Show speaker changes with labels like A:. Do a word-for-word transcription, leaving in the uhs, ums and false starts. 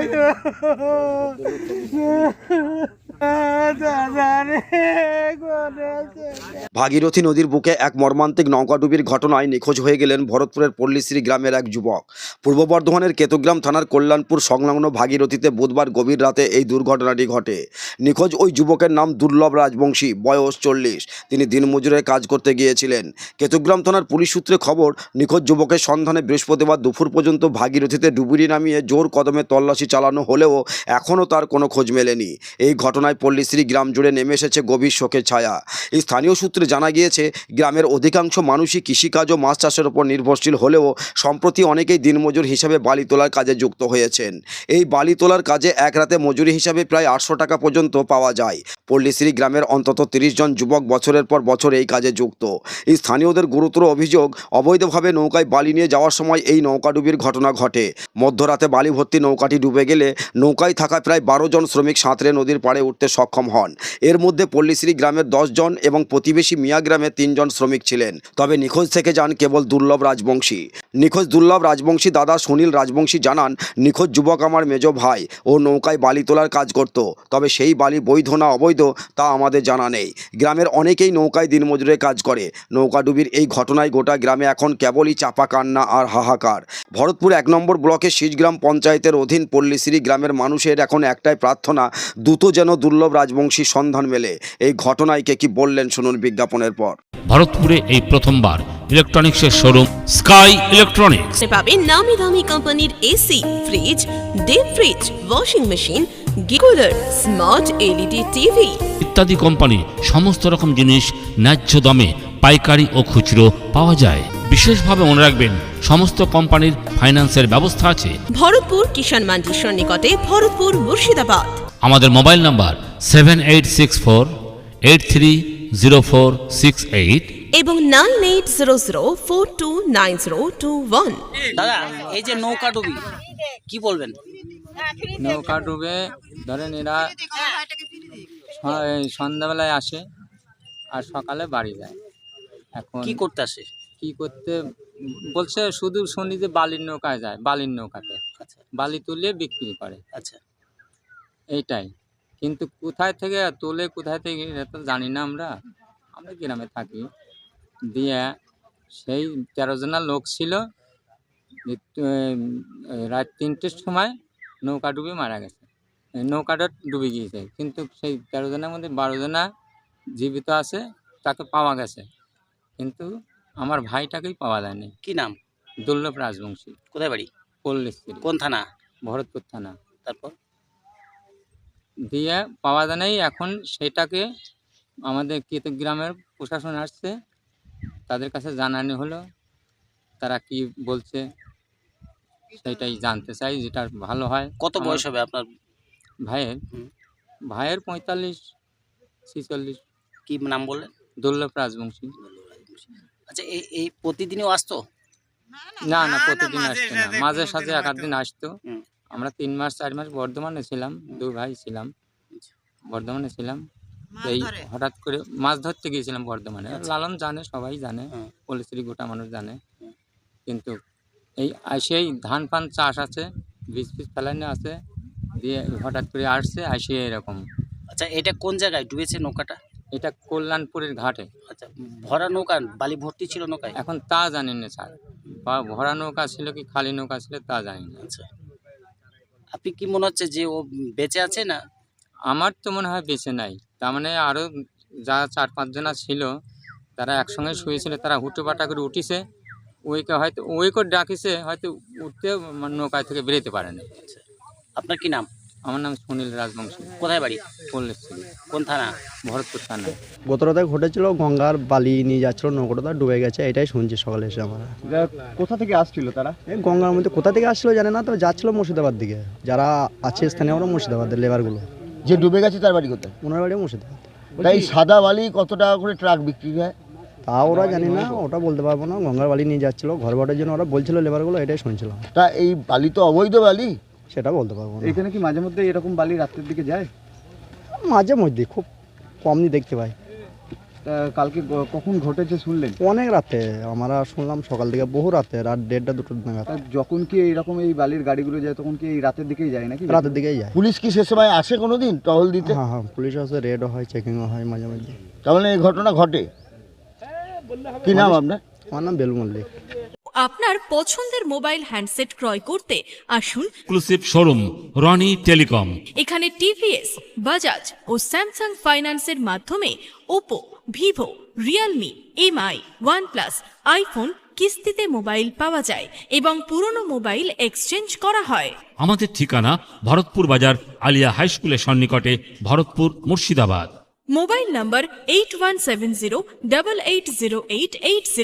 A: ভাগীরথী নদীর বুকে এক মর্মান্তিক নৌকাডুবির ঘটনায় নিখোঁজ হয়ে গেলেন ভরতপুরের পল্লীশ্রী গ্রামের এক যুবক। পূর্ব বর্ধমানের কেতুগ্রাম থানার কল্যাণপুর সংলগ্ন ভাগীরথীতে বুধবার গভীর রাতে এই দুর্ঘটনাটি ঘটে। নিখোঁজ ওই যুবকের নাম দুর্লভ রাজবংশী, বয়স চল্লিশ। তিনি দিনমজুরের কাজ করতে গিয়েছিলেন। কেতুগ্রাম থানার পুলিশ সূত্রে খবর, নিখোঁজ যুবকের সন্ধানে বৃহস্পতিবার দুপুর পর্যন্ত ভাগীরথীতে ডুবুরি নামিয়ে জোর কদমে তল্লাশি চালানো হলেও এখনও তার কোনো খোঁজ মেলেনি। এই ঘটনায় পল্লীশ্রী গ্রাম জুড়ে নেমে এসেছে গভীর শোকের ছায়া। এই স্থানীয় সূত্রে জানা গিয়েছে, গ্রামের অধিকাংশ মানুষই কৃষিকাজ ও মাছ চাষের উপর নির্ভরশীল হলেও সম্প্রতি অনেকেই দিনমজুর হিসাবে বালি তোলার কাজে যুক্ত হয়েছেন। এই বালি তোলার কাজে এক রাতে মজুরি হিসাবে প্রায় আটশো টাকা পর্যন্ত পাওয়া যায়। পল্লীশ্রী গ্রামের অন্তত তিরিশ জন যুবক বছরের পর বছর এই কাজে যুক্ত। এই স্থানীয়দের গুরুতর অভিযোগ, অবৈধভাবে নৌকায় বালি নিয়ে যাওয়ার সময় এই নৌকাডুবির ঘটনা ঘটে। মধ্যরাতে বালি ভর্তি নৌকাটি ডুবে গেলে নৌকায় থাকা প্রায় বারো জন শ্রমিক সাঁতরে নদীর পাড়ে উঠতে সক্ষম হন। এর মধ্যে পল্লীশ্রী গ্রামের দশ জন এবং প্রতিবেশী মিয়া গ্রামে তিনজন শ্রমিক ছিলেন। তবে নিখোঁজ থেকে যান কেবল দুর্লভ রাজবংশী। নিখোঁজ দুর্লভ রাজবংশী দাদা সুনীল রাজবংশী জানান, নিখোঁজ যুবক আমার মেজ ভাই। ও নৌকায় বালি তোলার কাজ করত, তবে সেই বালি বৈধ না অবৈধ তা আমাদের জানা নেই। গ্রামের অনেকেই নৌকায় দিনমজুরের কাজ করে। নৌকাডুবির এই ঘটনায় গোটা গ্রামে এখন কেবলই চাপা কান্না আর হাহাকার। ভরতপুর এক নম্বর ব্লকের শীষগ্রাম পঞ্চায়েতের অধীন পল্লীশ্রী গ্রামের মানুষের এখন একটাই প্রার্থনা, দ্রুত যেন দুর্লভ রাজবংশীর সন্ধান মেলে। এই ঘটনায় কে কি বললেন শুনুন বিজ্ঞাপনের পর।
B: ভরতপুরে এই প্রথমবার ইলেকট্রনিক্সের শোরুম স্কাই ইলেকট্রনিক্স
C: পাবেন নামি দামি কোম্পানির AC, fridge, deep fridge, washing machine, গিকুলার, স্মার্ট এলইডি টিভি
B: ইত্যাদি কোম্পানি সমস্ত রকম জিনিস ন্যায্য দামে পাইকারি ও খুচরো পাওয়া যায়। বিশেষভাবে মনে রাখবেন, সমস্ত কোম্পানির ফাইন্যান্সের ব্যবস্থা আছে।
C: ভরতপুর কিষাণ মান্ডির সন্নিকটে, ভরতপুর, মুর্শিদাবাদ।
B: আমাদের mobile number seven eight six four eight three zero four six eight
C: এবং nine eight zero zero four two nine zero two one.
D: দাদা, এই যে নৌকা ডুবি কি বলবেন?
E: নৌকা ডুবে ধরেন এরা সন্ধ্যাবেলায় আসে আর সকালে বাড়ি যায়। এখন
D: কি করতে আসে?
E: কি করতে বলছে, শুধু শুনি যে বালির নৌকায় যায়, বালির নৌকাতে
D: আচ্ছা,
E: বালি তুলে বিক্রি করে,
D: আচ্ছা,
E: এইটাই। কিন্তু কোথায় থেকে তোলে, কোথায় থেকে এটা তো জানি না। আমরা আমরা গ্রামে থাকি। দিয়ে সেই তেরো জনের লোক ছিল, রাত তিনটের সময় নৌকা ডুবে মারা গেছে। নৌকাটা ডুবে গিয়েছে, কিন্তু সেই তেরো জনের মধ্যে বারো জনা জীবিত আছে, তাকে পাওয়া গেছে, কিন্তু আমার ভাইটাকেই পাওয়া যায়নি।
D: কি নাম?
E: দুর্লভ রাজবংশী।
D: কোথায় বাড়ি?
E: পল্লীশ্রী।
D: কোন থানা?
E: ভরতপুর থানা।
D: তারপর
E: দিয়ে পাওয়া যায় নাই। এখন সেটাকে আমাদের কেতুগ্রামের প্রশাসন আসছে, তাদের কাছে জানানো হলো, তারা কি বলছে সেটাই জানতে চাই, যেটা ভালো হয়।
D: কত বয়স হবে আপনার
E: ভাইয়ের? ভাইয়ের পঁয়তাল্লিশ ছিচল্লিশ।
D: কি নাম বললেন?
E: দুর্লভ রাজবংশী।
D: আচ্ছা, এই এই প্রতিদিনও আসতো?
E: না না, প্রতিদিন আসতো না, মাঝে সাঝে এক আধ দিন আসতো।
D: হুম।
E: আমরা তিন মাস চার মাস বর্ধমানে ছিলাম, দুই ভাই ছিলাম, বর্ধমানে ছিলাম। এই হঠাৎ করে মাছ ধরতে গিয়েছিলাম বর্ধমানে। লালন জানে, সবাই জানে, পল্লীশ্রী গোটা মানুষ জানে। কিন্তু এই আসেই ধান ফান চাষ আছে, বীজ ফিজ ফেলানো আছে, দিয়ে হঠাৎ করে আসছে, আসে এরকম।
D: আচ্ছা, এটা কোন জায়গায় ডুবেছে নৌকাটা?
E: এটা কল্যাণপুরের ঘাটে।
D: আচ্ছা, ভরা নৌকা, বালি ভর্তি ছিল নৌকায়?
E: এখন তা জানি না স্যার, বা ভরা নৌকা ছিল কি খালি নৌকা ছিল তা জানি না।
D: আচ্ছা, আপনি কি মনে হচ্ছে যে ও বেঁচে আছে না?
E: আমার তো মনে হয় বেঁচে নাই। তার মানে আরও যা চার পাঁচজনা ছিল, তারা একসঙ্গে শুয়েছিল, তারা হুটো পাটা করে উঠিছে, ওইকে হয়তো ওইকে ডাকিছে, হয়তো উঠতে নৌকায় থেকে বেরোতে পারেনি।
D: আপনার কি নাম?
E: আমার নাম সুনীল রাজবংশী।
D: কোথায় বাড়ি?
E: পল্লীশ্রী।
D: কোন থানা?
E: ভরতপুর থানা।
F: গত রাতে ঘটেছিল, গঙ্গার বালি নিয়ে যাচ্ছিল, নৌকাটা ডুবে গেছে, এটাই শুনছি সকালে এসে আমরা।
G: কোথা থেকে আসছিল তারা?
F: এই গঙ্গার মধ্যে কোথা থেকে আসছিল জানে না, তো যাচ্ছিল মুর্শিদাবাদ দিকে। যারা আছে স্থানীয় আমরা মুর্শিদাবাদের লেবারগুলো।
G: যে ডুবে গেছে তার বাড়ি কোথায়?
F: ওনার বাড়ি মুর্শিদাবাদ।
G: তাই সাদা বালি কত টাকা করে ট্রাক বিক্রি হয়
F: তা ওরা জানি না, ওটা বলতে পারবো না। গঙ্গার বালি নিয়ে যাচ্ছিল ঘর বাড়ির জন্য, ওরা বলছিল লেবারগুলো, এটাই শুনছিলাম।
G: তা এই বালি তো অবৈধ বালি,
F: সেটা বলতে পারবো না।
G: এখানে কি মাঝে মধ্যে এরকম বালি রাত্রের দিকে যায়?
F: মাঝে মধ্যে, খুব কমই দেখতে পাই।
H: কালকে গ- কখন ঘটেছে শুনলেন?
F: অনেক রাতে আমরা শুনলাম সকাল থেকে, বহু রাতে, রাত দেড়টা দুটো নাগাদ।
H: তা যখন কি এইরকম এই বালির গাড়িগুলো যায় তখন কি এই রাতের দিকেই যায় নাকি?
F: রাতের দিকেই যায়।
G: পুলিশ কি সে সময় আসে কোনোদিন টহল দিতে?
F: হ্যাঁ হ্যাঁ, পুলিশ আসে, রেডও হয়, চেকিংও হয় মাঝে মাঝে।
G: তাহলে এই ঘটনা ঘটে। কি নাম আপনার?
F: আমার নাম বেলু মল্লিক।
I: আপনার পছন্দের মোবাইল হ্যান্ডসেট ক্রয় করতে আসুন
B: এক্সক্লুসিভ শোরুম রনি টেলিকম।
I: এখানে টিভিএস, বাজাজ ও স্যামসাং ফাইন্যান্সের মাধ্যমে Oppo, Vivo, Realme, Mi, OnePlus, iPhone কিস্তিতে মোবাইল পাওয়া যায় এবং পুরনো মোবাইল এক্সচেঞ্জ করা হয়।
B: আমাদের ঠিকানা ভরতপুর বাজার আলিয়া হাই স্কুলের সন্নিকটে, Bharatpur, Murshidabad.
I: Mobile number eight one seven zero double eight zero eight eight